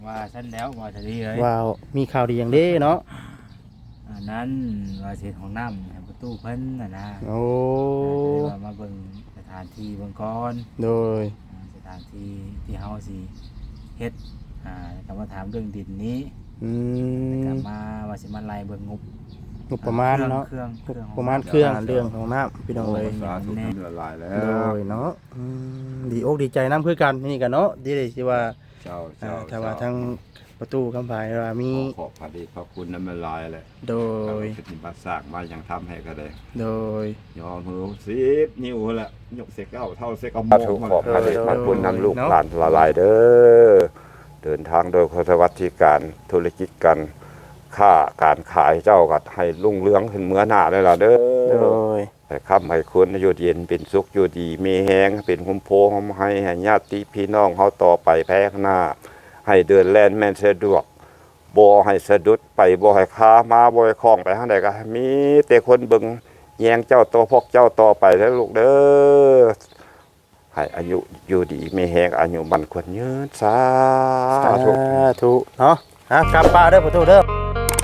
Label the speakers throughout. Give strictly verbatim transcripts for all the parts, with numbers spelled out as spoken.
Speaker 1: ว่าฉันแล้วว่าจะดีเลย
Speaker 2: ว้าวมีข่าวดีอย่างเด้เนาะ
Speaker 1: อันนั้นว่าเสียของน้ำให้ประตูเพิ่นน่ะนะ
Speaker 2: โอ้
Speaker 1: อ่าก็เลยว่ามาเบิ่งสถานที่เบิ่งก่อน
Speaker 2: โดย
Speaker 1: อ่าสถานที่ที่เฮาสิเฮ็ดอ่าแล้วก็มาถามเรื่องดินนี้
Speaker 2: อื
Speaker 1: แล้วก็
Speaker 2: ม
Speaker 1: มาว่าสิมาไล่เบิ่งงบ
Speaker 2: งบประมาณเนาะ
Speaker 1: เครื่องเครื่อง
Speaker 2: ประมาณเครื่องเรื่องของน้ำพี่น้องเลย
Speaker 3: สาธุน้ำละลายแล้
Speaker 2: โด
Speaker 3: วย
Speaker 2: เนาะอืมดีอกดีใจน้ำคือกันนี่กันเนาะดีเลยที่ว่า
Speaker 3: เจ้า
Speaker 2: อ่า
Speaker 3: เจ้า
Speaker 2: ถ้าว่าทั้งประตูคำภายว่ามี
Speaker 3: ขอพระเดชพระคุณน้ำละลายแหละ
Speaker 2: โดย
Speaker 3: ปฏิบัติสร้างมาอย่างทำให้ก็ได้
Speaker 2: โดย
Speaker 3: ยอมมือสิบนิ้วแหละยกเสกเก้าเท่าเสกเอาโม
Speaker 4: สาธุ
Speaker 3: มา
Speaker 4: ขอพระเดชพระคุณนำลูก
Speaker 2: เนาะ
Speaker 4: หลานละลายเด้อเดินทางโดยคสวัสดิการธุรกิจกันค้าการขายเจ้าก็ให้รุ่งเรืองขึ้นเมื่อหน้าเลยล่ะเด้
Speaker 2: โด
Speaker 4: อย ให้ค้ำให้คุณอยู่เย็นเป็นสุขอยู่ดีมีแหงเป็นคุ้มโพงให้ให้ญาติพี่น้องเฮาต่อไปแพ้ข้างหน้า ให้เดินแล่นแม่นสะดวกบ่ให้สะดุดไปบ่ให้ค้ามาบ่ให้คล้องไปทางใดก็มีแต่คนเบิ่งแยงเจ้าตัวพวกเจ้าต่อไปแล้วลูกเด้อ ให้อายุอยู่ดีไม่แหงอายุมันควรยืนสา
Speaker 2: สา
Speaker 4: ธุ
Speaker 2: ธุเนาะอ่ะกลับป้าเด้อประตูเด้อ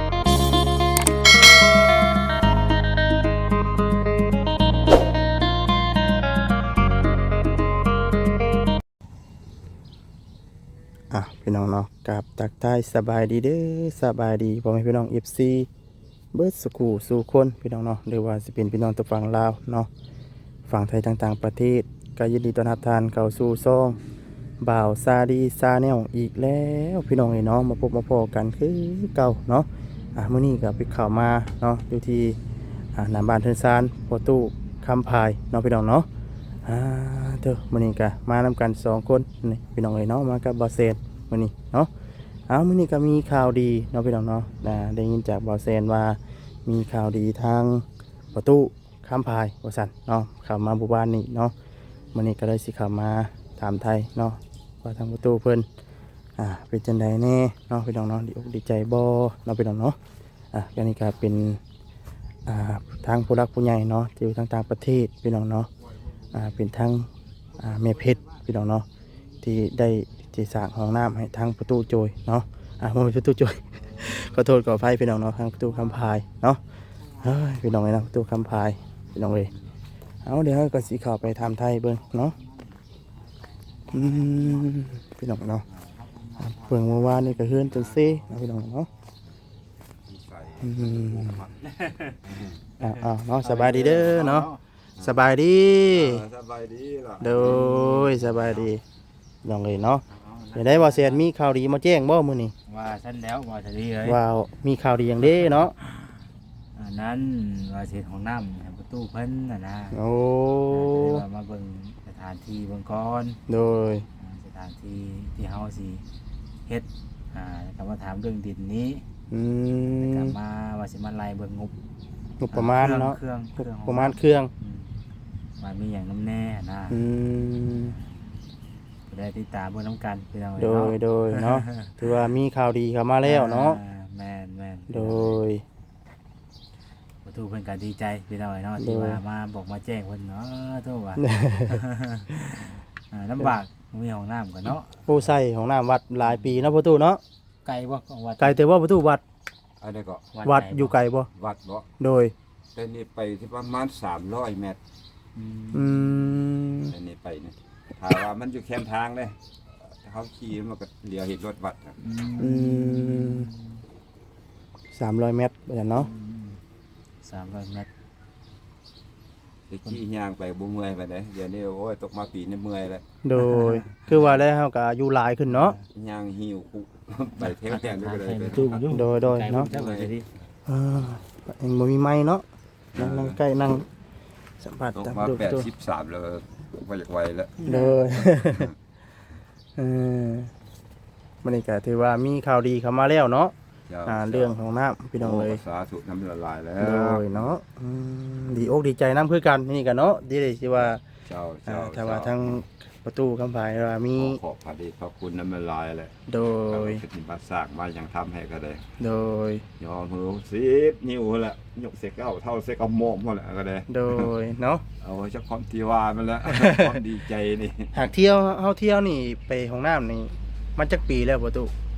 Speaker 2: อ่ะพี่น้องเนาะกลับตักใต้สบายดีเด้อสบายดีพ่อแม่พี่น้อง เอฟ ซี เบิร์ดสกูสู่คนพี่น้องเนาะหรือว่าสิเป็นพี่น้องตัวฝั่งลาวเนาะฝั่งไทยต่างๆประเทศก็ยินดีต้อนรับทานเข้าสู่ซ่องบ่าวซาดีซาแนลอีกแล้วพี่น้องไอ้น้องมาพบมาพอกันคือเก่าเนาะอ่ะมื้อนี้ก็ไปข่าวมาเนาะอยู่ที่อ่าหน้าบ้านเทินซานพอตู้คำพายเนาะพี่น้องเนาะอ่าเด้อมื้อนี้ก็มานำกันสองคนนี่พี่น้องไอ้น้องมากับบอเซนมื้อนี้เนาะเอามื้อนี้ก็มีข่าวดีเนาะพี่น้องเนาะอ่าได้ยินจากบอเซนว่ามีข่าวดีทางประตูคำพายว่าซั่นเนาะเข้ามาหมู่บ้านนี้เนาะมื้อนี้ก็เลยสิเข้ามาถามไทยเนาะว่าทางประตูเพิ่นอ่าเป็นจังไดแน่เนาะพี่น้องเนาะดีอกดีใจบ่เนาะพี่น้องเนาะอ่ะก็นี่ก็เป็นอ่าทางผู้รักผู้ใหญ่เนาะที่อยู่ทางต่างประเทศพี่น้องเนาะอ่าเป็นทางอ่าแม่เพชรพี่น้องเนาะที่ได้ที่สร้างห้องน้ำให้ทางประตูโจยเนาะอ่าบ่แม่นประตูโจย ขอโทษขออภัยพี่น้องเนาะทางประตูคำพายเนาะเฮ้ยพี่น้องเลยเนาะประตูคำพายพี่น้องเลยเอาเดี๋ยวเราก็สิเข้าไปทำไทยเบิ่งเนาะอืมพี่น้องเนาะเบิ่งเมื่อวานนี่ก็เฮือนจนเซ่เนาะพี่น้องเนาะอืมอ่าอ่าเนาะสบายดีเด้อเนาะสบายดี
Speaker 3: สบายดีล่ะ
Speaker 2: โดยสบายดีน้องเลยเนาะเดี๋ยวได้ว่าเสียนมีข่าวดีมาแจ้งบ่มื้อนี้
Speaker 1: ว่าฉันแล้วว่าจะดีเลย
Speaker 2: ว้าวมีข่าวดีอย่างเด้เนาะ
Speaker 1: อันนั้นว่าเสียของน้ำให้ประตูเพิ่นน่ะนะ
Speaker 2: โอ้
Speaker 1: อ่าก็เลยว่ามาเบิ่งสถานที่เบิ่งก่อน
Speaker 2: โดย
Speaker 1: อ่าสถานที่ที่เฮาสิเฮ็ดอ่าแล้วก็มาถามเรื่องดินนี้
Speaker 2: อื
Speaker 1: แล้วก็
Speaker 2: ม
Speaker 1: มาว่าสิมาไล่เบิ่งงบ
Speaker 2: งบประมาณเนาะ
Speaker 1: เครื่องเครื่อง
Speaker 2: ประมาณเครื่อง
Speaker 1: อืมว่ามีอย่างน้ำแน่นะ
Speaker 2: อืม
Speaker 1: ก็ได้ติดตามเบิ่งน้ำกันพี่น้อง
Speaker 2: โดย
Speaker 1: เนาะ
Speaker 2: โดยเนาะถือว่ามีข่าวดีเข้ามาแล้วเนาะ
Speaker 1: อ่แม่นแม่น
Speaker 2: โดย
Speaker 1: ประตูเพิ่นก็ดีใจพี่น้องเนาะที่
Speaker 2: โดย
Speaker 1: ว่ามาบอกมาแจ้งเพิ่นเนาะโทษว่า อ่าลำบากมีห้องน้ำกันเนาะ
Speaker 2: ผู้ใส่ของน้ำวัดหลายปีเนาะประตูเนาะ
Speaker 1: ไกลบ่ของวัด
Speaker 2: ไกลแต่ว่าประตูวัด
Speaker 3: อันนี้ก็
Speaker 2: วัด
Speaker 1: ไหน
Speaker 2: อยู่ไกลบ่
Speaker 3: วัดบ่
Speaker 2: โดย
Speaker 3: แต่นี่ไปที่ประมาณสามร้อยเมตร
Speaker 1: อืม
Speaker 2: อืม
Speaker 3: แต่นี่ไปนี่ถ้าว่ามันอยู่แคมทางเลยเขาขี่มันก็เลี้ยวเห็นรถวัดครับ
Speaker 2: อืมสามร้อยเมตรว่าซั่นเนาะ
Speaker 1: สามร้อยเมตร
Speaker 3: ไปขี่ย่างไปบ่เมื่อยไปเลยเดี๋ยวนี้โอ้ยตกมาปีนี้เมื่อยแล้ว
Speaker 2: โดย คือว่าแล้วเฮาก็อายุหลายขึ้นเนาะ
Speaker 3: ย่างหิวคุไปเที่ยวแข่งด้วยเลย
Speaker 1: ประตูอยู่
Speaker 2: โดยโดยเนาะ
Speaker 1: ไกลบ่จักว่าจะดี
Speaker 2: เออเองบ่มีไม้เนาะนั่งนั่งใกล้นั่งสัมผัส
Speaker 3: ตก
Speaker 2: ตาม
Speaker 3: มา
Speaker 2: ดู
Speaker 3: แปด
Speaker 2: ตัว
Speaker 3: สิบสามแล้วว่าอยากไวแล้ว
Speaker 2: เลย เออมันนี่ก็ถือว่ามีข่าวดีเข้ามาแล้วเนาะอ่าเรื่องของน้ำพี่น้องเลย
Speaker 3: สาธุน้ำละลายแล้
Speaker 2: โด
Speaker 3: วย
Speaker 2: เนาะอืมดีอกดีใจน้ำคือกันนี่กันเนาะดีเลยที่ว่า
Speaker 3: เจ้า
Speaker 2: อ่า
Speaker 3: เจ้า
Speaker 2: ถ้าว่าทางประตูคำภายว่ามี
Speaker 3: ขอพระเดชพระคุณน้ำละลายแหละ
Speaker 2: โดย
Speaker 3: ปฏิบัติสร้างมาอย่างทำให้ก็ได้
Speaker 2: โดย
Speaker 3: ยอมมือสิบนิ้วแหละยกเสกเก้าเท่าเสกเอาโมกมาแหละก็ได้
Speaker 2: โดยเนาะ
Speaker 3: เอาไว้เจ้าความที่ว่ามันแล้ว ความดีใจนี่
Speaker 2: หากเที่ยวเฮาเที่ยวนี่ไปของน้ำนี่มันจักปีแล้วประตู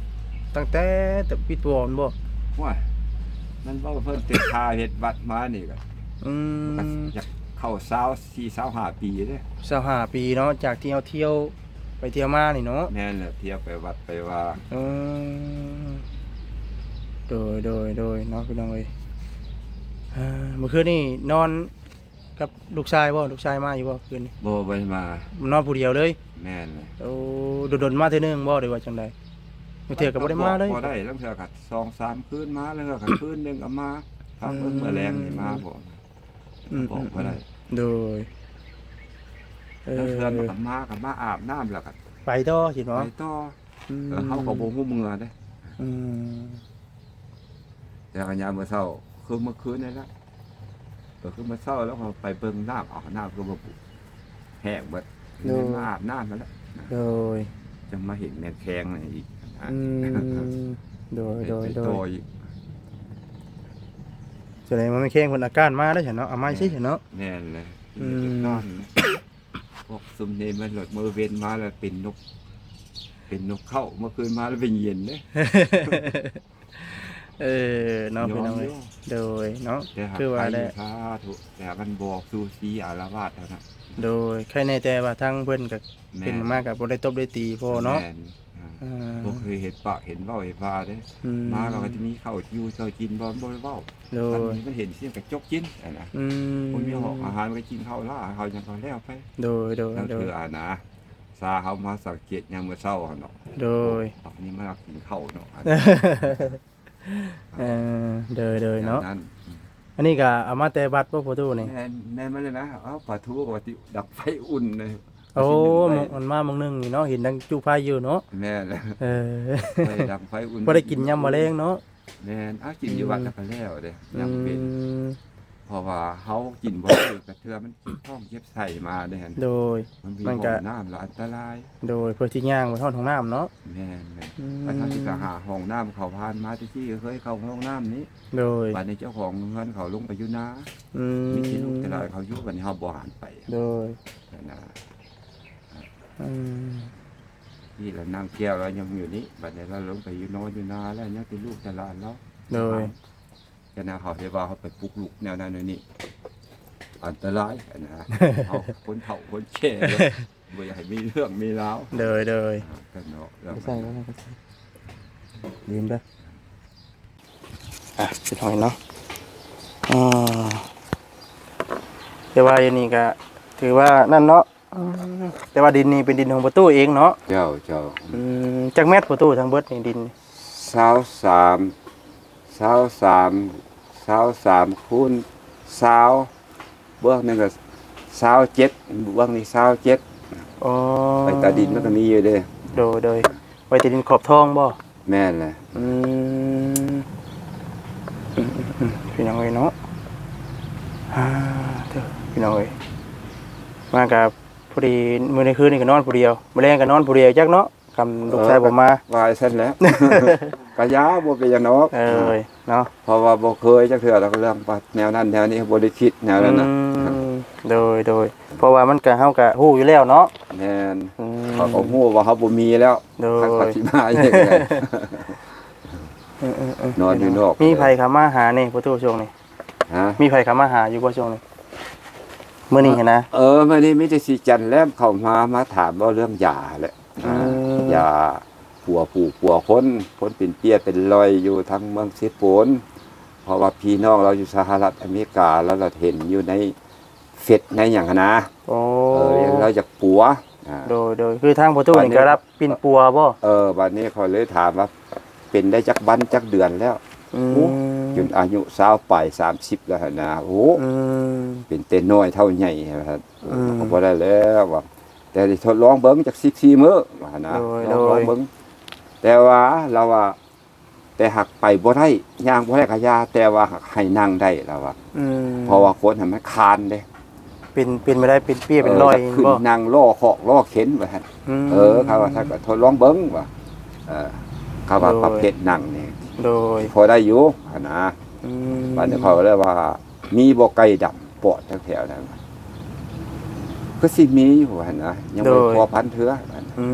Speaker 2: ตั้งแต่แต่ปีตัวมันบ่
Speaker 3: ว่ามันบ่เพิ่นติดทาเฮ็ดบัตรมานี่ก็
Speaker 2: อืม
Speaker 3: ก็อยากเข้าสาวสี่สาวห้าปีเด้
Speaker 2: สหาปีเนาะจากที่เฮาเที่ยวไปเที่ยวมานี่เนาะ
Speaker 3: แม่นแหละเที่ยวไปวัดไปว่า
Speaker 2: อืมโดยโดยโดยเนาะพี่น้องเอ้ยอ่าเมื่อคืนนี่นอนกับลูกชายบ่ลูกชายมาอยู่บ่คืนนี้
Speaker 3: บ่ไปมาน
Speaker 2: อนผู้เดียวเลย
Speaker 3: แม่นเลย
Speaker 2: โอ้โดนๆมาเทื่อนึงบ่ได้ว่าจังได๋มื้อเทื่อก็บ่ได้มาเลย
Speaker 3: บ่ได้แล้วเทื่อก็สองสามคืนมาแล้วก็คืนหนึงก็มาพักเบิ่งมื้อแลงนี่มาบ่
Speaker 2: อืม
Speaker 3: บอกบ่ได้
Speaker 2: โดยเอ
Speaker 3: แล้ว
Speaker 2: อ
Speaker 3: เทื่อมันก็มาก็มาอาบน้ำแล้วก็
Speaker 2: ไปต่อสิ
Speaker 3: ไป
Speaker 2: เนาะ
Speaker 3: ต่อ
Speaker 2: อืม
Speaker 3: เออเฮาก็บ่ฮู้เมื่อเด้
Speaker 2: อืม
Speaker 3: แต่ก็ยามมื้อเช้าคือเมื่อคืนนี่ละก็คือมื้อเช้าแล้วก็ไปเบิ่งน้ำเอาน้ำก็บ่ปุแห้งเบิดเลยมาอาบน้ำนั่นแหละ
Speaker 2: โดย
Speaker 3: จะมาเห็นแม่แข้งนี่อีกนะ
Speaker 2: อืมโดยโดย
Speaker 3: ไป
Speaker 2: โด
Speaker 3: ต่อย อีก
Speaker 2: แสดงว่าไม่แข้งคนอาการมาได้วฉันเนาะเอามาใช่ฉันเนาะ
Speaker 3: แน่นเลย
Speaker 2: อืม
Speaker 3: นอนพวกซุมเนมันหลดมือเว้นมาแล้วเป็นนก เป็นนกเข้าเมื่อคืนมาแล้วเป็นเย็นเด้
Speaker 2: เออเนาะพี่น้องเอ้ยโดยเนาะ
Speaker 3: แต่หาก
Speaker 2: คือว่า
Speaker 3: ไป
Speaker 2: ได้
Speaker 3: สาธุแต่มันบอกซูซีอารวาสเท่านั้น
Speaker 2: โดยใครในแต่ว่าทั้งเพิ่นก็เป็นมากกับบ่ได้ตบได้ตีพ่อเนาะ
Speaker 3: แม่อ่า
Speaker 2: อ่า
Speaker 3: บ่เคยเห็นปะเห็นเว้าเห็นว่าเด้
Speaker 2: อืม
Speaker 3: มาเราก็จะมีข้าวอยู่เจ้ากินบ่บ่ได้เว้า
Speaker 2: โด
Speaker 3: มัน
Speaker 2: ย
Speaker 3: มันเห็นเสียงกระจกกินอะนะ
Speaker 2: อืม
Speaker 3: คนมีหอกอาหารก็กินข้าวล่าข้าวยังก็แล้วไป
Speaker 2: โดยโดย
Speaker 3: แล้ว
Speaker 2: โด
Speaker 3: คื
Speaker 2: ย
Speaker 3: ออ่านะซาเฮามาสังเกตยามมื้อเช้าหั่นเนาะ
Speaker 2: โดย
Speaker 3: อันนี้มากินข้าวเนาะอัน
Speaker 2: เออโดยโดยเนาะ
Speaker 3: นั้น
Speaker 2: อันนี้ก็เอามาแต่บัดบ่พ่อตู้นี่
Speaker 3: แน่แน่มาเลยนะเอาปลาทูปกติดับไฟอุ่นเลย
Speaker 2: โอ้
Speaker 3: ไฟ
Speaker 2: มันมามื้อนึงนี่เนาะเห็นดังจุไฟอยู่เนาะ
Speaker 3: แม่เลย
Speaker 2: เออ
Speaker 3: ไฟดับไฟอุ่น
Speaker 2: บ่ได้กินยำมะเร็งเนาะ
Speaker 3: แม่นเอากินอยู่วัดแล้วก็แล้วเด้
Speaker 2: อื
Speaker 3: ยังเป็น
Speaker 2: ม
Speaker 3: เพราะว่าเฮากินบ่ได้กระเทือมันเจ็บท้องเจ็บไส้มาเด้หั่น
Speaker 2: โดย
Speaker 3: มันมี
Speaker 2: มัน
Speaker 3: ห้
Speaker 2: ก็
Speaker 3: องน้ำแล้วอันตราย
Speaker 2: โดยเพื่อที่ย่างไปทอดของน้ำเนาะ
Speaker 3: แม่นเลย
Speaker 2: อืม
Speaker 3: ไปทางที่ก็หาห้องน้ำเขาผ่านมาที่ที่เคยเข้าห้องน้ำนี้
Speaker 2: โดย
Speaker 3: บัดนี้เจ้าของเงินเขาลงไปอยู่นา
Speaker 2: อืม
Speaker 3: มีที่ลูกแต่ละเขาอยู่บัดนี้เฮาบ่หันไป
Speaker 2: โดย
Speaker 3: นั่นนะ
Speaker 2: อืม
Speaker 3: ที่เรานั่งแก้วเรายังอยู่นี่บัดนี้เราลงไปอยู่นอนอยู่นาแล้วยังเป็นลูกแต่ละอันแล้ว
Speaker 2: โดย
Speaker 3: จะนาเขาเรียกว่าเขาไปปลุกลูกแนวนั้นแนวนี่อันตรายอันนะ เขาคนเฒ่าคนแก่เลยบ่อยากให้มีเรื่องมีราว
Speaker 2: โดยโดย
Speaker 3: อ่ากันเนาะแล้ว
Speaker 2: ไม่ใส่แล้วไม่ใส่ลืมเด้ออ่ะสิหน่อยเนาะอ่าแต่ว่าอันนี้ก็ถือว่านั่นเนาะอืมแต่ว่าดินนี่เป็นดินของประตูเองเนาะ
Speaker 3: เจ้าเจ้า
Speaker 2: อืมจักแมตรประตูทั้งเบิดนี่ดินนี่
Speaker 3: สาวสามสาวสามสาวสามคูณสาวเบื้องหนึงก็สาวเจ็ดเบื้องนี้สาวเจ็ด
Speaker 2: อ๋อ
Speaker 3: ไปตาดินมันก็มีอยู่เด้
Speaker 2: โดยโดยไว้แต่ดินขอบทองบ่
Speaker 3: แม่นแหละ
Speaker 2: อืมอืมอืมอืมพี่น้องเอ้ยเนาะอ่าเด้อพี่น้องเอ้ยมากับพอดีมื้อในคืนนี่ก็นอนผู้เดียวมื้อแลงก็นอนผู้เดียวจักเนาะคำลูกชายบ่มา
Speaker 3: วายเส้นแล้ว กะยาบ่เป็นหยังเนาะ
Speaker 2: เอ้ยเนาะ
Speaker 3: เพราะว่าบ่เคยจักเทื่อแล้วก็เรื่องว่าแนวนั้นแนวนี้บ่ได้คิดแนวนั้นน่ะ
Speaker 2: อืมโดยโดยเพราะว่ามันก็เฮาก็ฮู้อยู่แล้วเนาะ
Speaker 3: แม่น
Speaker 2: อืม
Speaker 3: เขาก็ฮู้ว่าเขาบ่มีแล้ว
Speaker 2: โดย
Speaker 3: ทางปฏิมาอย่างไร
Speaker 2: เออเออเออน
Speaker 3: อนอยู่นอก
Speaker 2: มีไผเข้ามาหานี่ประตูช่วงนี้
Speaker 3: ฮะ
Speaker 2: มีไผเข้ามาหาอยู่บ่ช่วงนี้มื้อนี้เห็นนะ
Speaker 3: เออมื้อนี้มีแต่สิจันแลมเข้ามามาถามว่าเรื่องยาแหละ
Speaker 2: อืม
Speaker 3: ยาปัวปู่ปัวคนคนเป็นเปี้ยเป็นรอยอยู่ทางเมืองสิโปนเพราะว่าพี่น้องเราอยู่สหรัฐอเมริกาแล้วเราเห็นอยู่ในเฟซในหยังหั้นนะ
Speaker 2: โอ้
Speaker 3: เออเราอยากปัวอ่า
Speaker 2: โดยโดยคือทางประตูนี่ก็รับปิ่นปัวบ่
Speaker 3: เออบัดนี้เขาเลยถามว่าเป็นได้จักบันจักเดือนแล้ว
Speaker 2: อืม
Speaker 3: โอ้ จนอายุสาวปลายสามสิบแล้วหั่นนะโอ้
Speaker 2: อืม
Speaker 3: เป็นเต้นน้อยเท่าใหญ่ครับ
Speaker 2: อืม
Speaker 3: เขาบ่ได้แล้วว่าแต่ได้ทดลองเบิ่งจักสิบสี่มื้อว่าหั่นนะ
Speaker 2: โดย
Speaker 3: ลอง
Speaker 2: โดย
Speaker 3: ลองเบิ่งแต่ว่าเราว่า แต่หักไปบ่ได้ย่างบ่ได้ก็ยาแต่ว่าหักให้นั่งได้แล้วว่า
Speaker 2: อืม
Speaker 3: เพราะว่าคนให้มันคานเด้
Speaker 2: เป็นเป็นไม่ได้เป็นเปี้ยเป็นรอย
Speaker 3: จะขึ้น
Speaker 2: บ่
Speaker 3: นั่งล้อเคาะล้อเข็นว่าหั่น
Speaker 2: ม
Speaker 3: เออเขาว่าถ้าก็ทดลองเบิ่งว่าเออเขาว่า
Speaker 2: โดย
Speaker 3: ประเภทนั่งนี่
Speaker 2: โดย
Speaker 3: พอได้อยู่หั่นนะ
Speaker 2: อืม
Speaker 3: บัดนี้เขาก็เลยว่า มีบ่ไก่ดำปอดแถวๆนั้นก็สิมีอยู่หั่นนะยังบ่พอพันเทื่อหั่น
Speaker 2: อืม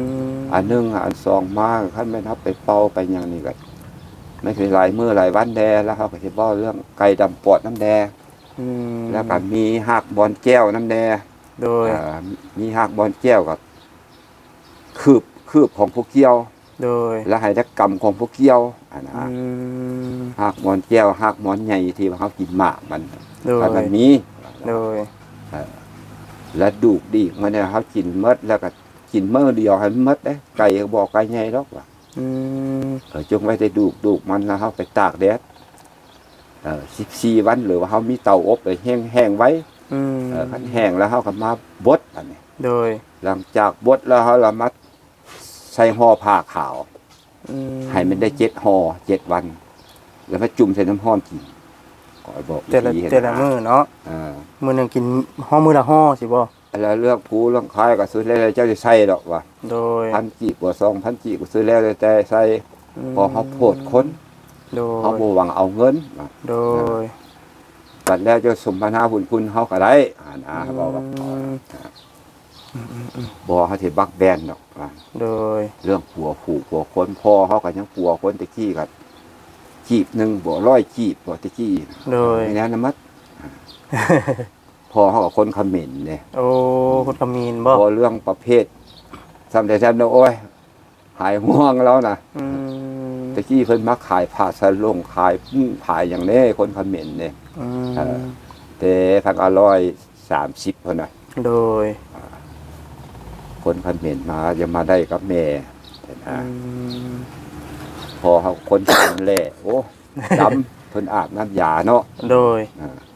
Speaker 3: อันหนึงอันสองมาคันแม่นเฮาไปเป่าไปหยังนี่ก็ไม่เคยหลายมื้อหลายวันแดแล้วเขาก็สิเว้าเรื่องไก่ดำปอดน้ำแด
Speaker 2: อืม
Speaker 3: แล้วก็มีหากบอนแก้วน้ำแด
Speaker 2: โดย
Speaker 3: เอ่อมีหากบอนแก้วกับคืบคืบของผู้เกี่ยว
Speaker 2: โดย
Speaker 3: และให้ได้กรรมของผู้เกี่ยวอันนะ
Speaker 2: อืม
Speaker 3: หากบอนแก้วหากบอนใหญ่ที่ว่าเขากินหมากมัน
Speaker 2: โดย
Speaker 3: ถ้ามันมี
Speaker 2: โดย
Speaker 3: และดูกดีกมันเนี่ยเขากินเมดแล้วก็กินเมื่อเดียวให้มันเมดเด้ไก่ก็บอกไก่ใหญ่หรอกว่า
Speaker 2: อืม
Speaker 3: เออจงไว้ได้ดูกดูกมันแล้วเขาไปตากแดดเออสิบสี่วันหรือว่าเขามีเตาอบเลยแห้งแห้งไว้
Speaker 2: อืม
Speaker 3: เออคันแห้งแล้วเขาก็มาบดอันนี้
Speaker 2: โดย
Speaker 3: หลังจากบดแล้วเขาละมัดใส่ห่อผ้าขาว
Speaker 2: อืม
Speaker 3: ให้มันได้เจ็ดห่อเจ็ดวัน แล้วมาจุ่มใส่น้ำห้อนกินก็บอก
Speaker 2: แต่ละ
Speaker 3: วิธีเฮ็ด
Speaker 2: แต่ละมื้อเนาะ
Speaker 3: เออ
Speaker 2: มื้อหนึงกินห่อมื้อละห่อสิบ่
Speaker 3: แล้วเรื่องกูเรื่องคายก็ซื้อแล้วเจ้าจะใส่ดอกว่า
Speaker 2: โดย
Speaker 3: พันกี่กว่าสองพันกี่ก็ซื้อแล้วแต่ใส่พอเขาโพดคน
Speaker 2: โดย
Speaker 3: เขาบ่หวังเอาเงินว่า
Speaker 2: โดย
Speaker 3: บัดแล้วจะสมนาบุญคุณเขาก็ได้อ่านะบอกว่า
Speaker 2: อืม
Speaker 3: บ่เขาสิบักแบนดอกว่า
Speaker 2: โดย
Speaker 3: เรื่องผัวผูกผัวคนพ่อเขาก็ยังผัวคนตะกี้กันจีบหนึ่งบ่ร้อยจีบบ่ตะกี้
Speaker 2: โดย
Speaker 3: ไม่แน่นะมัดพ่อเขาก็คนเขมิ้นเนี่ย
Speaker 2: โอ้คนกะมีนบ่
Speaker 3: พอเรื่องประเภททำแต่ทำนะโอ้ยหายห่วงแล้วนะ
Speaker 2: อืม
Speaker 3: ตะกี้เพิ่นมาขายผ้าสะลงขายปุ้งขายอย่างนี้คนเขมิ้นเนี่ย
Speaker 2: อื
Speaker 3: เออ
Speaker 2: ม
Speaker 3: แต่ทางอร่อยสามสิบคนน่ะ
Speaker 2: โดย
Speaker 3: คนเขมิ้นมาจะมาได้กับแม่เห็น
Speaker 2: อื
Speaker 3: ฮะ
Speaker 2: ม
Speaker 3: พอเขาคนทำแหล่โอ้ดำเพิ่นอาบน้ำยาเนาะ
Speaker 2: โดย
Speaker 3: อ่า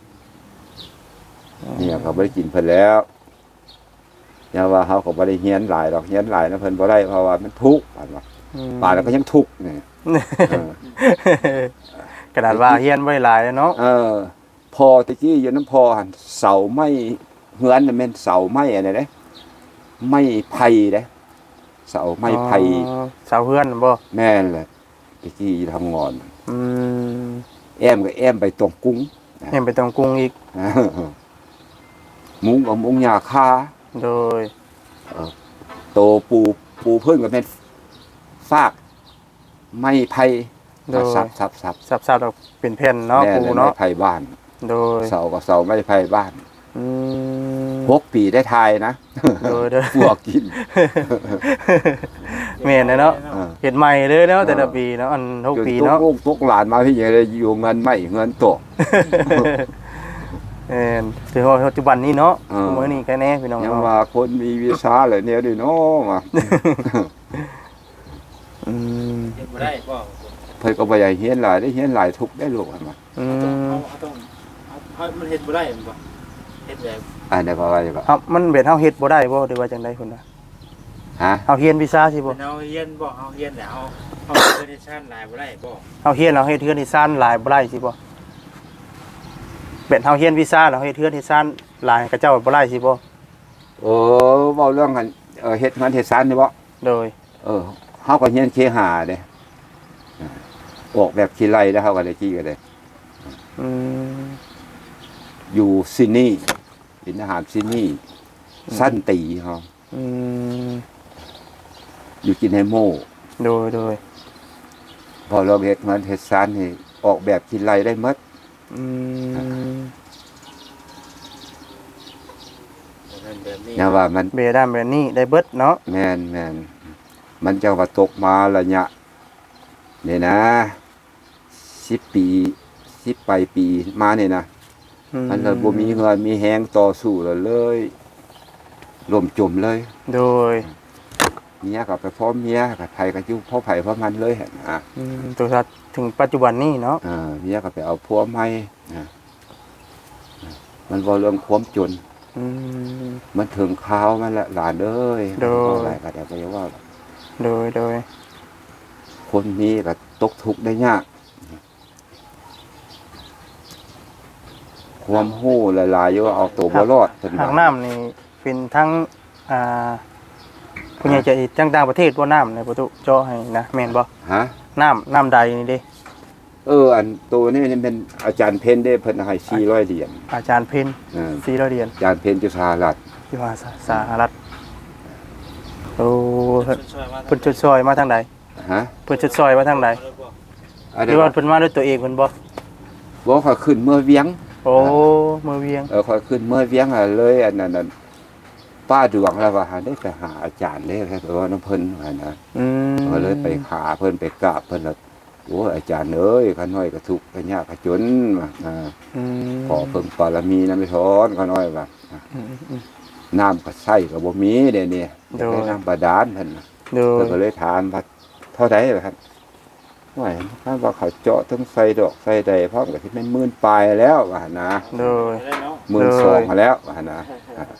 Speaker 3: เนี่ยเขาบ่ได้กินเพิ่นแล้วอย่าว่าเขาก็บ่ได้เฮียนหลายดอกเฮียนหลายนะเพิ่นบ่ได้เพราะว่ามันทุกข์ปานว่า
Speaker 2: อืม
Speaker 3: ป่านแล้วก็ยังทุกข์นี่เออก
Speaker 2: ระดาษว่าเฮียนไว้หลายแล้วเนาะ
Speaker 3: เออพอตะกี้อยู่น้ำพอหั่นเสาไม้เฮือนน่ะแม่นเสาไม้อันนั้นเด้ไม้ไผ่เด้เสาไม้ไผ่
Speaker 2: อ๋อเสาเฮือนบ่
Speaker 3: แม่นแหละตะกี้ทำงอน
Speaker 2: อืม
Speaker 3: แอมก็แอมไปตรงกุ้ง
Speaker 2: เห็นไปตรงกรุงอีก
Speaker 3: เออมุ้งกับมุ้งหญ้าคา
Speaker 2: โดย
Speaker 3: โตปูปูเพิ่นก็เป็นฟากไม้ไผ่
Speaker 2: โดย
Speaker 3: สับสับสับ
Speaker 2: สับๆดอกเป็นแผ่นเนาะ
Speaker 3: แม่
Speaker 2: ปู
Speaker 3: เลยไม้
Speaker 2: เนาะ
Speaker 3: ไผ่บ้าน
Speaker 2: โดย
Speaker 3: เสาก็เสาไม้ไผ่บ้าน
Speaker 2: อืม
Speaker 3: หกปีได้ทายนะ
Speaker 2: โดยโดย
Speaker 3: พวกกิน
Speaker 2: แม่นเลยเนาะ
Speaker 3: เออ
Speaker 2: เห็ดใหม่เลยเนาะแต่ละปีเนาะอันทุกปีเนาะ
Speaker 3: จนตกลูกตกหลานมาพี่ใหญ่เลยอยู่เงินไม่เงินตก
Speaker 2: เออถือว่าปัจจุบันนี้เนาะ
Speaker 3: เออ
Speaker 2: มื้อนี้แค่แน่พี่น้อง
Speaker 3: ยัง
Speaker 2: เนาะ
Speaker 3: ว่าคนมีวิชาเลยเนี่ยดิเนาะมา
Speaker 2: อืม
Speaker 1: เฮ็ดบ่ได้บ่
Speaker 3: เพิ่นก็บ่อยากเฮียนหลายได้เฮียนหลายทุกได้ลูกอันว่า
Speaker 2: อื
Speaker 1: ต้อง
Speaker 2: ม
Speaker 1: เอาเอาต้องเอาเอามันเฮ็ดบ่ได้บ่เฮ็ดแบบ
Speaker 3: อันนี้ก็ว่าอย่าง
Speaker 2: ครับมันเป็นเฮาเฮ็ดบ่ได้บ่หรือว่าจังได๋พุ่นน่ะ
Speaker 3: ฮะ
Speaker 2: เฮาเฮียนวิชาสิบ่
Speaker 1: เป็นเอาเฮียนบ่เอาเฮียนแล้วเอาเอาเฮ็ดชั่นหลายบ่ได้บ่
Speaker 2: เฮาเฮียนเราเฮ็ดเทือนที่ซ่านหลายบ่ได้สิบ่เป็นเฮาเฮียนวิชาเราเฮ็ดเทือนที่ซ่านหลายกับเจ้าบ่ได้สิบ่
Speaker 3: เออเว้าเรื่องกันเออเฮ็ดงานเฮ็ดสารนี่บ่
Speaker 2: โดย
Speaker 3: เออเฮาก็เฮียนเคหาเด้ออกแบบขี้ไร่แล้วเฮาก็ได้กี้ก็ได้
Speaker 2: อืม
Speaker 3: อยู่ซิดนีย์เป็นทหารซิดนีย์สั้นตีเฮา
Speaker 2: อืม
Speaker 3: อยู่กินไฮโม
Speaker 2: โดยโดย
Speaker 3: พอเราเฮ็ดงานเฮ็ดสารนี่ออกแบบขี้ไร่ได้หมด
Speaker 2: อืม
Speaker 1: แบบนั้นแบบนี้
Speaker 3: นะว่ามัน
Speaker 2: เบด้านแบบนี้ได้เบิดเนาะ
Speaker 3: แม่นแม่นมันจะว่าตกมาระยะนี่นะสิบปีสิบปลายปีมาเนี่ยนะ
Speaker 2: อื
Speaker 3: มันเลยบ่มีเงินมีแฮงต่อสู้แล้วเลยล่มจมเลย
Speaker 2: โดย
Speaker 3: เมียก็ไปพร้อมเมียกับไผก็อยู่พ่อไผพ่อมันเลยหั่นนะ
Speaker 2: อืมตัวสัตว์ถึงปัจจุบันนี้เนาะ
Speaker 3: เออเมียก็ไปเอาผัวใหม่นะมันบ่เรื่องความจน
Speaker 2: อืม
Speaker 3: มันถึงคราวมันละหลานเอ้ย
Speaker 2: โดย
Speaker 3: บ่อะไรก็ได้บ่ว่า
Speaker 2: โดยโดย
Speaker 3: คนนี้ก็ตกทุกข์ได้ยากความหู้หลายๆอยู่ว่าเอาตัวบ่รอดเพิ่น
Speaker 2: หาง
Speaker 3: ว่า
Speaker 2: น้ำนี่เป็นทั้งอ่าผู้ใหญ่ใจดีทั้งต่างประเทศบ่น้ำในประตูเจาะให้นะแม่นบ่
Speaker 3: ฮะ
Speaker 2: น้ำน้ำใดนี่เด้
Speaker 3: เอออันตัวนี้นี่เป็นอาจารย์เพ็ญได้เพิ่นให้สี่ร้อยเหรียญ
Speaker 2: อาจารย์เพ็ญ
Speaker 3: เออ
Speaker 2: สี่ร้อยเหรียญ
Speaker 3: อาจารย์เพ็ญจุฬารัตน์
Speaker 2: อยู่ว่าสหรัฐโอ้เพิ่นชดซอยมาทางใด
Speaker 3: ฮะ
Speaker 2: เพิ่นชดซอยมาทางใด
Speaker 3: อัน
Speaker 2: ห
Speaker 3: นี้
Speaker 2: รือว่า
Speaker 3: ว่า
Speaker 2: เพิ่นมาด้วยตัวเองเพิ่นบ่
Speaker 3: บ่ค่อยขึ้นเมื่อเวียง
Speaker 2: โอ้เมื่อเวียง
Speaker 3: เออค่อยขึ้นเมื่อเวียงอะเลยอันนั้นน่ะป้าดวงแล้วว่าหาได้ไปหาอาจารย์เด้แค่ว่าน้ำเพิ่นว่านะ
Speaker 2: อืม
Speaker 3: ก็เลยไปหาเพิ่นไปกราบเพิ่นแล้วโอ้อาจารย์เอ้ยข้าน้อยก็ทุกข์ก็ยากก็จนว่าอ่า
Speaker 2: อืม
Speaker 3: ขอเพิ่งบารมีนำไปถอนข้าน้อยว่าอ่ะ
Speaker 2: อืมอืม
Speaker 3: น้ำก็ใช้ก็บ่มีเด้นี่
Speaker 2: โดย
Speaker 3: ได้น้ำบาดาลเพิ่นน่ะ
Speaker 2: โด
Speaker 3: เพิ่
Speaker 2: ย
Speaker 3: นก็เลยถามว่าเท่าใดล่ะครับว่าถ้าว่าเขาเจาะทั้งใส่ดอกใส่ใดพร้อมก็สิเป็นหมื่นปลายแล้วว่านะ
Speaker 2: โดย
Speaker 3: หมื่นสองแล้วว่านะอ่ะ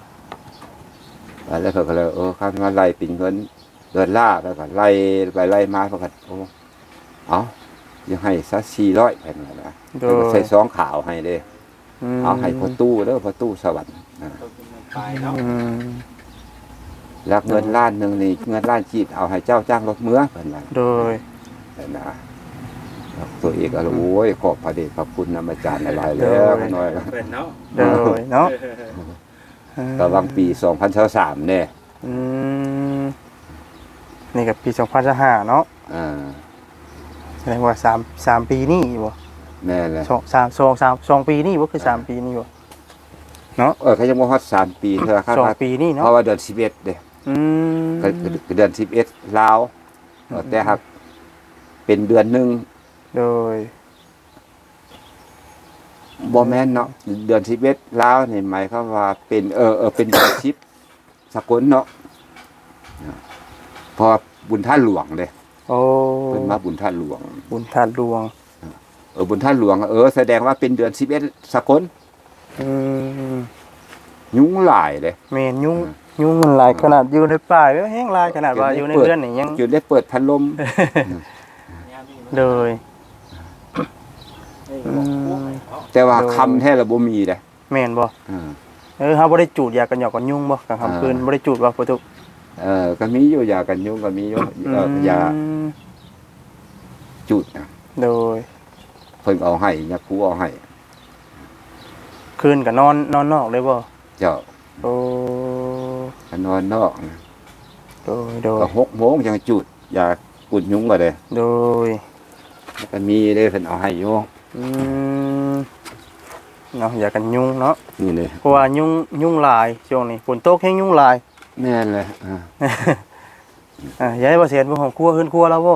Speaker 3: แล้วเพิ่นก็เลยเออข้ามาไล่ปิ่นเงินเดือนล่าแล้วก็ไล่ไปไล่มาเพิ่นก็โอ้เอายังให้ซะสี่ร้อยเพิ่นว่านะ
Speaker 2: โด
Speaker 3: เพิ่นก็
Speaker 2: ย
Speaker 3: ใส่ซองขาวให้เด้
Speaker 2: ม
Speaker 3: เอาให้พ่อตู้เด้อพ่อตู้สวรรค์อ่า
Speaker 2: อืม
Speaker 3: แล้วเงินล้านหนึงนี่เงินล้านจีดเอาให้เจ้าจ้างรถเมือเพิ่นว่า
Speaker 2: โดย
Speaker 3: นั่นนะแล้วตัวเอกก็โอ้ยขอบพระเดชพระคุณนำอาจารย์หลายๆแล้วข้าน้อยก็
Speaker 1: เป็นเนาะ
Speaker 2: โดยเนาะ
Speaker 3: ก็วางปีสองพันยี่สิบสามเนี่ย
Speaker 2: อืมนี่ก็ปีสองพันห้าเนาะ
Speaker 3: อ่า
Speaker 2: แสดงว่าสาม สามปีนี่บ่
Speaker 3: แม่เลย
Speaker 2: สองสามสองสามสองปีนี่บ่คือสามปีนี่บ่
Speaker 3: เออเขายังบ่ฮอดสามปีเท่าครับ
Speaker 2: สองปีนี่
Speaker 3: เพ
Speaker 2: เนาะ
Speaker 3: ราะว่าเดือนสิบเอ็ดเด้
Speaker 2: อืม
Speaker 3: ก็ก็เดือนสิบเอ็ดลาวเออแต่ครับเป็นเดือนหนึง
Speaker 2: โดย
Speaker 3: บ่แม่นเนาะเดือนสิบเอ็ดลาวนี่หมายความว่าเป็นเออเออเป็นเดือนสิบสกลเนาะเพราะว่าบุญท่านหลวงเด้
Speaker 2: โอ้
Speaker 3: เพิ่นมาบุญท่านหลวง
Speaker 2: บุญทานหลวง
Speaker 3: เออบุญท่านหลวงเออแสดงว่าเป็นเดือนสิบเอ็ดสกล
Speaker 2: อืม
Speaker 3: ยุงหลายเลย
Speaker 2: แม่นยุ่งยุ่งมันหลายขนาดอยู่ในป่าแล้วแห้งหลายขนาดว่าอยู่ในเรือนนี่ยัง
Speaker 3: จุดได้เปิดพัดลม
Speaker 2: โดย
Speaker 3: แต่ว่า
Speaker 2: โดย
Speaker 3: คำแท้ละบ่มีเด้
Speaker 2: แม่นบ่
Speaker 3: อ่า
Speaker 2: เออเฮาบ่ได้จูดยากันหยอกกันยุ่งบ่กลางค่ำคืนบ่ได้จูดว่าประตู
Speaker 3: เออก็มีอยู่ยากันยุงก็มีอยู่เออยา
Speaker 2: ม
Speaker 3: จุดนะ
Speaker 2: โดย
Speaker 3: เพิ่นเอาให้ยาคูเอาให้
Speaker 2: คืนก็นอนนอนนอกเลยบ่
Speaker 3: เจ้า
Speaker 2: โอ้
Speaker 3: ก็นอนนอกนะ
Speaker 2: โดยโดย
Speaker 3: ก็หกโมงจังจุดยากุดยุงก็ได้
Speaker 2: โดย
Speaker 3: แล้วก็มีเด้เพิ่นเอาให้อยู่
Speaker 2: อืมเนาะยากันยุ่งเนาะ
Speaker 3: นี่เลย
Speaker 2: เพราะว่ายุ่งยุ่งหลายช่วงนี้ฝนตกแห้งยุ่งหลาย
Speaker 3: แม่นเลยอ่า
Speaker 2: อ่ะยายบ่เสียนบ่ของครัวขึ้นครัวแล้วบ่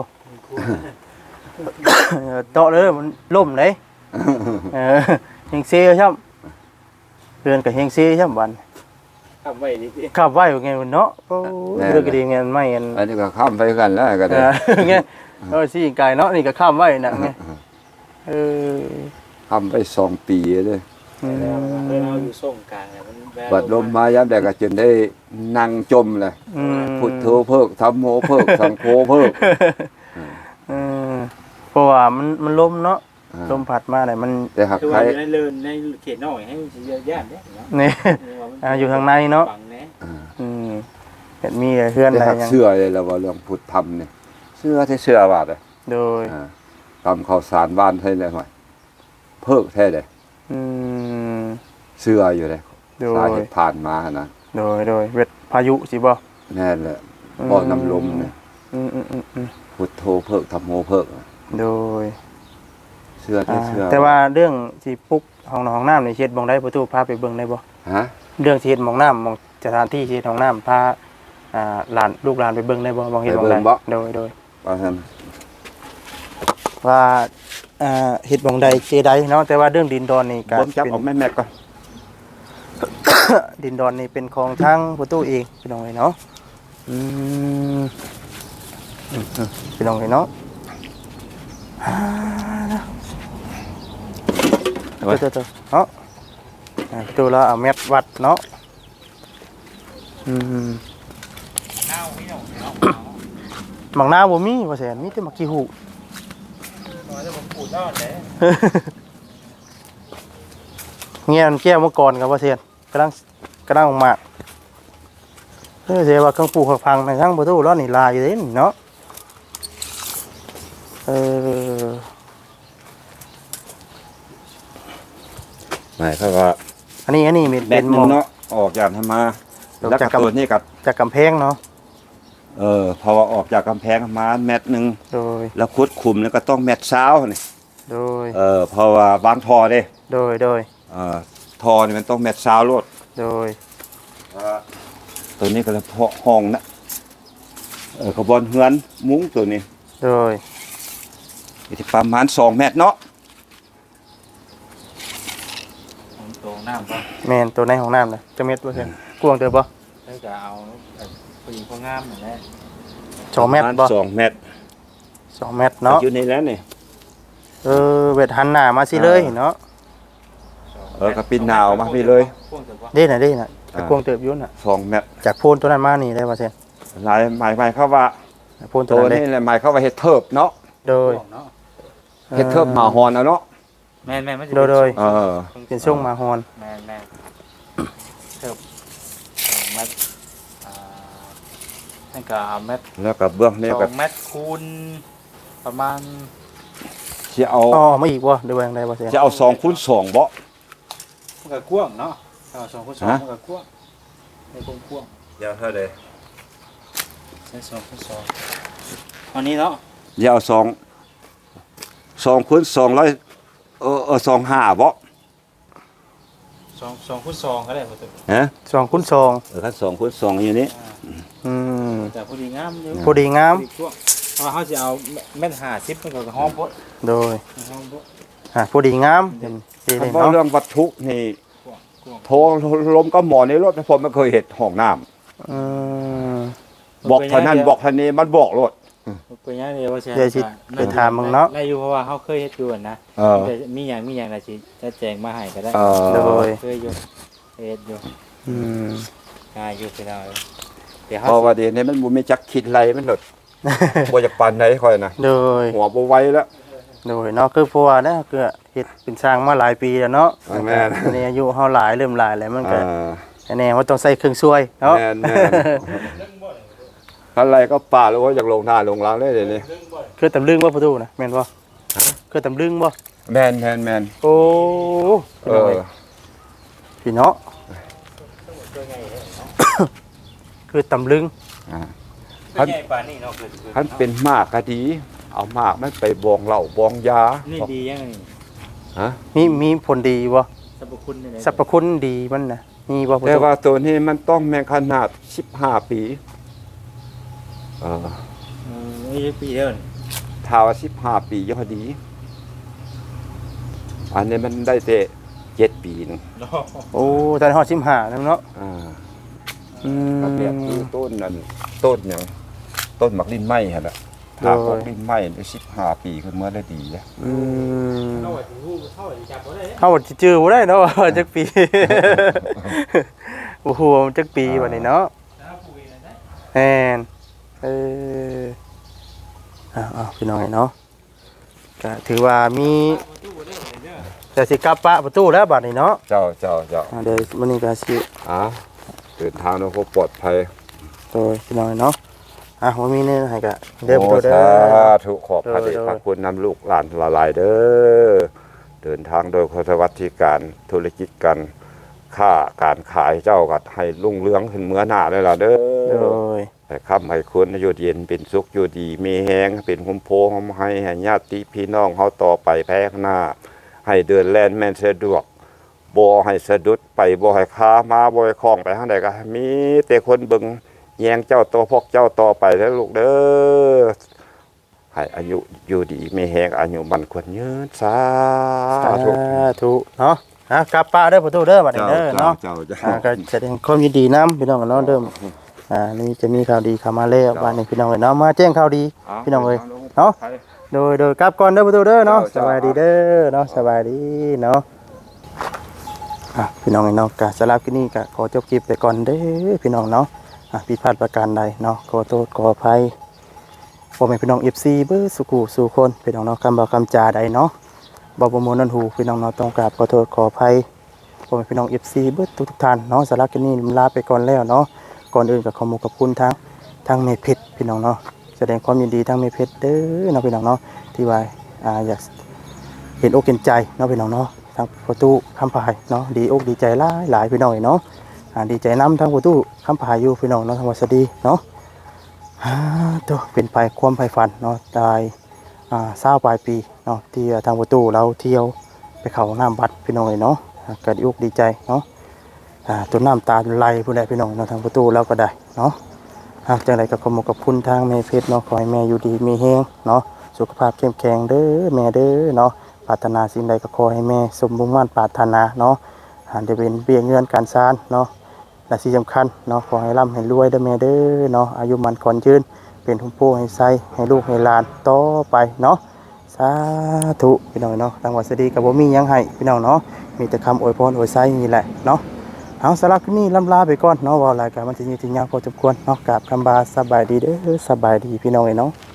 Speaker 2: เออเตาะเลยมันล่มเลยเออเฮงเซ่ช่ำเรือนกับเฮงเซ่ช่ำบัน
Speaker 1: ทำไว้นี่สิ
Speaker 2: ขับไว้อยู่ไงมันเนาะโอ้ยเรื่องก็ดีไงมันไม่อัน
Speaker 3: อันนี้ก็ข้ามไปกันแล้วก็
Speaker 2: เอ
Speaker 3: ได้
Speaker 2: อไงเออสิไก่เนาะนี่ก็ข้ามไว้น่ะไงเออ
Speaker 3: ข้ามไปสองปีเลย
Speaker 2: อืม
Speaker 1: เออเราอยู่ส่งกลางเนี่ยมันแวว
Speaker 3: บัดลมมายามใดก็จนได้นั่งจมเลย
Speaker 2: อืม
Speaker 3: พุทโธเพิกธัมโมเพิกสังโฆเพิก
Speaker 2: เออเพราะว่ามันมันลมเนาะ
Speaker 3: อ่า
Speaker 2: ลมพัดมาเนี่ยมัน
Speaker 3: แต่หาก
Speaker 1: คือ
Speaker 3: ใคร
Speaker 1: ว่าอยู่ในเรือนในเขตนอกให้สิเยอะแยะเนี่ยเนาะ
Speaker 2: นี่ อ่าอยู่ทางในเนาะ
Speaker 1: ฝั่งแน่
Speaker 3: อ่า
Speaker 2: อืมเห็นมีเพื่อน
Speaker 3: แต่
Speaker 2: อะไร
Speaker 3: หาก
Speaker 2: ยัง
Speaker 3: เชื่อเลยแล้วว่าเรื่องพุทธธรรมเนี่ยเชื่อที่เชื่อว่าเลย
Speaker 2: โดย
Speaker 3: อ่าตามข่าวสารบ้านเท่าเลยหน่อยเพิกแท้เลย
Speaker 2: อืม
Speaker 3: เชื่ออยู่เลย
Speaker 2: โด
Speaker 3: สาย เหตุผ่านมานะ
Speaker 2: โดยโดยเวทพายุสิบ่
Speaker 3: แน่นแหละบ่อน้ำลมเนี่ย
Speaker 2: อืมอืมอืมอืม
Speaker 3: พุทโธเพิกธัมโมเพิก
Speaker 2: โดย
Speaker 3: เชื่อที่
Speaker 2: อ่า
Speaker 3: เชื่อ
Speaker 2: แต่ว่าเรื่องที่ปลุกห้องนอนห้องน้ำนี่เฮ็ดบ่งได้ประตูพาไปเบิ่งได้บ่
Speaker 3: ฮะ
Speaker 2: เรื่องที่เฮ็ดหมองน้ำหมองสถานที่ที่เฮ็ดห้องน้ำพาอ่าหลานลูกหลานไปเบิ่งได้บ่บ่เฮ็ดบ่งได้โดยโดย
Speaker 3: ว่าท่าน
Speaker 2: ว่าอ่าเฮ็ดบ่งใดเจใดเนาะแต่ว่าเรื่องดินดอนนี่ก็
Speaker 3: ผมจับ
Speaker 2: เป็น
Speaker 3: ออกแม่แม่ก่อน
Speaker 2: ดินดอนนี่เป็นของทางประตูเองพี่น้องเอ้ยเนาะอืมอืมอืมพี่น้องเอ้ยเนาะอ่าเดี๋ยวๆๆเนาะอ่าประตูเราเอาเม็ดวัดเนาะอืมหมักนาวบ่มีว่าแสนมีแต่หมักขี้หู
Speaker 1: น้อยจะมาปูดนอดเลย
Speaker 2: เงี้ยมันแก้วเมื่อก่อนกับว่าเซียนกำลังกำลังมากเออเสียว่าเครื่องปลูกผักพังในทั้งประตูร้อนนี่ลายอยู่เด้นี่เนาะเออ
Speaker 3: หมายความว่า
Speaker 2: อันนี้อันนี้เป็น
Speaker 3: แบ
Speaker 2: เป็
Speaker 3: ต
Speaker 2: น
Speaker 3: ห
Speaker 2: ห
Speaker 3: นึ
Speaker 2: มอง ง
Speaker 3: เนาะออกจากธรรมา
Speaker 2: ออก
Speaker 3: แล้ว
Speaker 2: จาก
Speaker 3: ก็
Speaker 2: กำ
Speaker 3: ตัวนี้กับ
Speaker 2: จากกำแพงเนาะ
Speaker 3: เออเพราะว่าออกจากกำแพงมาแมตรหนึง
Speaker 2: โดย
Speaker 3: แล้วขุดขุมแล้วก็ต้องแมตรเช้านี่
Speaker 2: โดย
Speaker 3: เออเพราะว่าบางทอเด้
Speaker 2: โดยโดย
Speaker 3: เออทอนี่มันต้องแมตรเช้าโลด
Speaker 2: โดย
Speaker 3: เออตัวนี้ก็เลยเพาะห้องนะเออกระบอนเฮือนมุ้งตัวนี้
Speaker 2: โดย
Speaker 3: อยู่ที่ประมาณสองเมตรเนาะ
Speaker 1: ของตรงน้ำก็
Speaker 2: แม่นตัวในห้องน้ำน่ะจักเม็ดบ่เช่นกว้างเด้อบ่
Speaker 1: แล้วก็เอาผู้หญิงผู้งามนั่นแหละ
Speaker 2: สองเมตร
Speaker 3: ประาณ
Speaker 2: บ่
Speaker 3: สองเมตร
Speaker 2: สองเมตรเนาะ
Speaker 3: อยู่ในแล้วนี่
Speaker 2: เออเวทหันหน้ามาสิเลยเนาะ
Speaker 3: เออก็ปีนหนาวมาพี่เลย
Speaker 1: พ่วงเถอะวะ
Speaker 2: เด้น่ะเด้น่ะแต่กว้างเติบอยู่น่ะ
Speaker 3: สองเมตร
Speaker 2: จากโพนตัวนั้นมานี่ได้บ่เช่น
Speaker 3: หลายหมายหมายเข้าว่า
Speaker 2: โพนตัว
Speaker 3: ตัว
Speaker 2: นั้นเด้
Speaker 3: นี้แหละหมายเข้าว่าเฮ็ดเทิบเนาะ
Speaker 2: โดย
Speaker 1: พ่วงเนาะ
Speaker 3: เฮ็ดเทิบหมาฮอนเอาเนาะ
Speaker 1: แม่นแม่นมันจะ
Speaker 2: โดยโดย
Speaker 3: เออ
Speaker 2: เป็นช่วงมาฮอน
Speaker 1: แม่นแม่นเถิบสองเมตรอ่านั่นก็เอาเมตร
Speaker 3: แล้วก็เบื้องนี้
Speaker 1: สอ
Speaker 3: ก็
Speaker 1: งเมตรคูณประมาณ
Speaker 3: สิเอา
Speaker 2: อ๋อมาอีกบ่ได้ว่าจังไดบ่เช่น
Speaker 3: จะเอาสองคูณสองบ่
Speaker 1: มันก็กว้างเนาะเอาสองคูณสอง
Speaker 3: ฮะ
Speaker 1: มันก็กว้างในกว้างกว้าง
Speaker 3: ยาวเท่าใด
Speaker 1: ใช้สองคูณสองอันนี้เนาะ
Speaker 3: อย่าเอาสองสองคูณสองร้อยเออเออสองห้าบ่
Speaker 1: สองสองคูณสองก็ได้หมดเลย
Speaker 3: ฮะ
Speaker 2: สองคูณสอง
Speaker 3: เออคันสองคูณสองอยู่นี่
Speaker 2: อืม
Speaker 1: แต่พอดีงามอยู่
Speaker 2: พอดีงาม
Speaker 1: พอดีกว้างเพราะว่าเขาจะเอาเม็ดห้าสิบมันก็ห้องโพด
Speaker 2: โดย
Speaker 1: ห้องโพด
Speaker 2: อ่ะพอดีงามเป็นสี
Speaker 3: ถ้า
Speaker 2: เลย
Speaker 3: บ่
Speaker 2: เนาะ
Speaker 3: เรื่องวัตถุนี่
Speaker 1: กว้างกว้าง
Speaker 3: โทรลมก็หมอในรถผมไม่เคยเห็นห้องน้ำ
Speaker 2: อืม
Speaker 3: บอกเท่านั้นบอกเท่านี้มันบอกรถ
Speaker 1: เป็นยังไงว่าใช่
Speaker 2: เดี๋ยวสิไปถามมึงเนาะ
Speaker 1: ได้อยู่เพราะว่าเขาเคยเฮ็ดอยู่อะนะ
Speaker 3: เออ
Speaker 1: แต่มีอย่างมีอย่างอะไรสิจะแจงมาให้ก็ได้
Speaker 3: เออ
Speaker 2: โดย
Speaker 1: เคยอยู่เฮ็ดอยู่
Speaker 2: อืม
Speaker 1: ง่ายอยู่ไปหน่อยเดี๋ยว
Speaker 3: เพ
Speaker 1: เขา
Speaker 3: ราะว่าเดี๋ยวนี้มันบ่มีจักคิดไรมันหลดบ่จะปานไหนค่อยนะ
Speaker 2: โดย
Speaker 3: หัวบ่ไหวแล้ว
Speaker 2: โดยเนาะคือเพราะว่าเนี่ยคือเฮ็ดเป็นสร้างมาหลายปีแล้วเนาะ
Speaker 3: อ่าแม่น
Speaker 2: อันนี้อายุเฮาหลายเริ่มหลายแล้วมัน
Speaker 3: เอ
Speaker 2: ก็
Speaker 3: อ
Speaker 2: อันนี้ว่าต้องใส่เครื่องช่วยเนาะ
Speaker 3: แม่นแม่นอะไรก็ป่าแล้วว่าอยากลงหน้าลงหลังเลยเดี๋ยวนี้
Speaker 2: คือตำลึงบ่ประตูนะแม่นบ่คือตำลึงบ่
Speaker 3: แม่นแม่นแม่น
Speaker 2: โอ้
Speaker 3: เออ
Speaker 2: พี่เนาะคือตำลึง
Speaker 3: อ่า
Speaker 1: เป็นใหญ่ปานนี้เนาะคือ
Speaker 3: คันเป็นมากก็ดี เอามากมันไปบองเหล้าบองยา
Speaker 1: นี่ดียังไงนี่
Speaker 3: ฮะ
Speaker 2: มีมีผลดีบ่
Speaker 1: สรรพคุณนี่
Speaker 2: สรรพคุณดีมันน่ะมีบ่ประ
Speaker 3: แต่
Speaker 2: ตู
Speaker 3: ว่าตัวนี้มันต้องแม่งขนาดสิบห้าปีเออ
Speaker 1: เออนี่ปีเดียวนี่
Speaker 3: ถ้าว่าสิบห้าปียอดดี อันนี้มันได้แต่เจ็ดปีหนึง
Speaker 1: เนาะ
Speaker 2: โอ้ตอนฮอดสิบห้าแล้วเนาะ
Speaker 3: อ่า
Speaker 2: อืม
Speaker 3: ก็เปรียบคือต้นนั่นต้นอย่างต้นหมักลิ้นไหม้ฮะนะถ้า
Speaker 2: โดย
Speaker 3: พวกลิ้นไหม้ได้สิบห้าปีขึ้นเมื่อได้ดีนะ
Speaker 2: อืม
Speaker 1: เข้าไปหูเข้าไปจับบ่ได้
Speaker 2: เฮาสิจื้อบ่ได้เนาะว่าจักปี โอ้โหจักปีบัดนี้เนาะ
Speaker 1: แล้วปุ๋ยนั่นได้
Speaker 2: แม่นเอออ้าวๆพี่น้องเนาะก็ถือว่ามี
Speaker 1: ประตูบ่ได้เด้อ
Speaker 2: แต่สิกลับปะประตูแล้วบัดนี้เนาะ
Speaker 3: เจ้าเจ้าเจ้า
Speaker 2: อ่าเดี๋ยวมื้อนี้ก็สิ
Speaker 3: อ่ะเดินทางด้วยความปลอดภัย
Speaker 2: โดยพี่น้องเนาะอ่ะบ่มีแนี่ให้ก็เด้อ
Speaker 3: โอ้
Speaker 2: ประตูเด้
Speaker 3: สา
Speaker 2: อ
Speaker 3: ธุขอบพระเดช
Speaker 2: โดย
Speaker 3: พระคุณนำลูกหลานละลายเด้อเดินทางโดยคนสวัสดิการธุรกิจกันค่าการขายเจ้าก็ให้รุ่งเรืองขึ้นเมื่อหน้าเลยล่ะเด้
Speaker 2: โด
Speaker 3: อย ให้ค่ำให้คุณอยู่เย็นเป็นสุขอยู่ดีมีแหงเป็นคุมโพหอมให้ให้ญาติพี่น้องเฮาต่อไปแพ้ข้างหน้า ให้เดินแล่นแม่นสะดวกบ่ให้สะดุดไปบ่ให้ค้ามาบ่ให้คล้องไปทางใดก็มีแต่คนเบิ่งแยงเจ้าตัวพวกเจ้าต่อไปเด้อลูกเด้อให้อายุอยู่ดีมีแหงอายุมันควรยืนสา
Speaker 2: สา
Speaker 3: ธุ
Speaker 2: ธุเนาะอ่ะกลับปะเด้อประตูเด้อบัดนี้เด้อเนาะ
Speaker 3: เจ้าเจ้า
Speaker 2: อ่าก็แสดงความยินดีนํพี่น้องเนาะเดิมอ่านี่จะมีข่าวดีเข้ามาแล้วบัดนี้พี่น้องเอ้ยเนาะมาแจ้งข่าวดี พี่น้องเอ้ยเนาะ โดยโดยกลับก่อนเด้อประตูเด้อเนาะส
Speaker 3: เจ้า
Speaker 2: บายดีเด้อเนาะสบายดีเนาะอ่ะพี่น้องเนาะกะสำหรับที่นี่ก็ขอจบคลิปไปก่อนเด้อพี่น้องเนาะอ่ะผิดพลาดประการใดเนาะขอโทษขออภัยพ่อแม่พี่น้อง เอฟ ซี เบิดสุขุสู่คนพี่น้องเนาะคำบ่คำจาใดเนาะบ่บ่มวนนั่นหูพี่น้องเนาะต้องกราบขอโทษขออภัยพ่อแม่พี่น้อง เอฟ ซี เบิดทุกๆท่านเนาะสำหรับที่นี่ลาไปก่อนแล้วเนาะก่อนอื่นก็ขอขอบคุณทั้งทั้งเมเพชรพี่น้องเนาะแสดงความยินดีทั้งเมเพชรเด้อเนาะพี่น้องเนาะที่ว่าอ่าอยากเห็นอกเห็นใจเนาะพี่น้องเนาะทั้งประตูคำพายเนาะดีอกดีใจหลายหลายพี่น้องเนาะอ่าดีใจนํทั้งประตูคำพายอยู่พี่น้องเนาะทั้งวัดสดีเนาะฮ่าตัวเป็นไปความไฟฝันเนาะตายอ่าเศร้าปลายปีเนาะที่ทางประตูเราเที่ยวไปเขาน้ำบัดพี่น้องเลยเนาะอ่าก็ดีอกดีใจเนาะอ่าตัวน้ำตาไหลผู้ใดพี่น้องเนาะทางประตูเราก็ได้เนาะหากจังไรก็ขอมกับคุณทางแม่เพชรเนาะขอให้แม่อยู่ดีมีแฮงเนาะสุขภาพเข้มแข็งเด้อแม่เด้อเนาะปรารถนาสิ่งใดก็ขอให้แม่สมมุ่งมั่นปรารถนาเนาะหาได้เป็นเบี้ยเงินการซานเนาะและที่สำคัญเนาะขอให้ร่ำให้รวยเด้อแม่เด้อเนาะอายุมันขอนยืนเป็นทุ่มโพให้ไสให้ลูกให้หลานต่อไปเนาะสาธุพี่น้องเนาะทางวัดสดีกับบ่มีหยังให้พี่น้องเนาะมีแต่คำอวยพรอวยไสนี่แหละเนาะเอาสำหรับคลิปนี้ล่ำลาไปก่อนเนาะว่ารายการมันจะยืดยาวพอสมควรเนาะกราบคำบาสบายดีเด้อสบายดีพี่น้องเนาะ